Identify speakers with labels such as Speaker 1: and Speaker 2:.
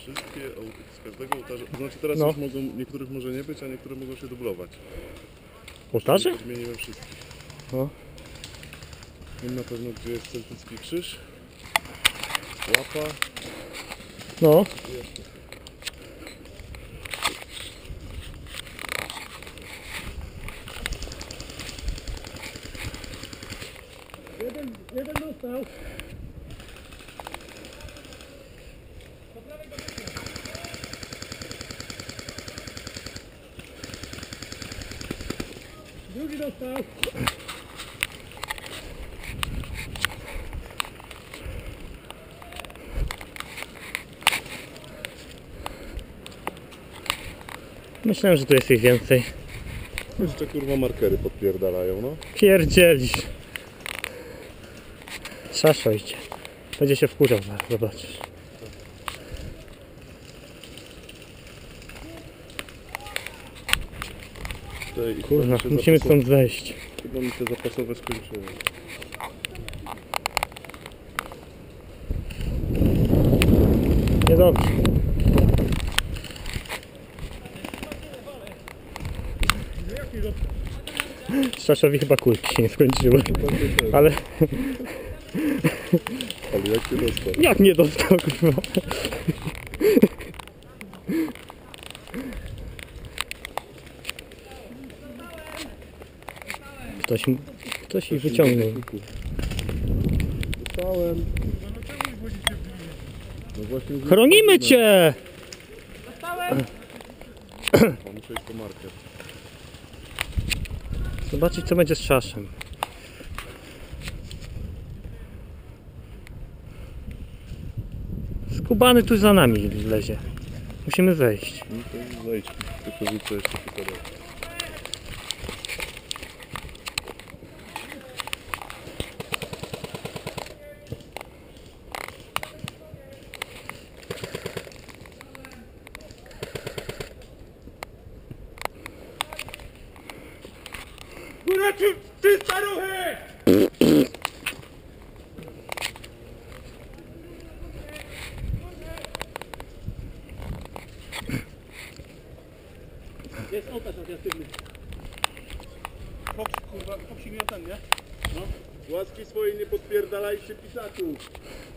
Speaker 1: Wszystkie, z każdego ołtarza, to znaczy teraz
Speaker 2: No.
Speaker 1: już mogą, niektórych może nie być, a niektóre mogą się dublować.
Speaker 2: Ołtarze?
Speaker 1: Zmieniłem wszystkich.
Speaker 2: No.
Speaker 1: Wiem na pewno, gdzie jest celtycki krzyż, łapa.
Speaker 2: No. Jeden dostał. Drugi dostał. Myślałem, że tu jest ich więcej.
Speaker 1: Jeszcze kurwa markery podpierdalają, no.
Speaker 2: Pierdzielisz. Szaszo idzie. Będzie się wkurzał, zobaczysz. Kurwa, musimy stąd zejść.
Speaker 1: Chyba mi się zapasowe skończyły.
Speaker 2: Niedobrze. Szaszowi chyba kulki się nie skończyły. Ale
Speaker 1: Jak się dostał?
Speaker 2: jak nie dostał, kurwa? Ktoś ich wyciągnął.
Speaker 1: Dostałem. No właśnie.
Speaker 2: Chronimy cię!
Speaker 1: Muszę iść po marker.
Speaker 2: Zobaczyć, co będzie z szaszem. Skubany tu za nami lezie. Musimy zejść.
Speaker 1: No to zejdź. Tylko rzucę jeszcze tutaj.
Speaker 2: Góra, ty staruchy! Jest ołtarz aktywny.
Speaker 1: Fox, kurwa, Foxik miał ten, nie? No. Łaski swojej nie podpierdalajcie pisaków.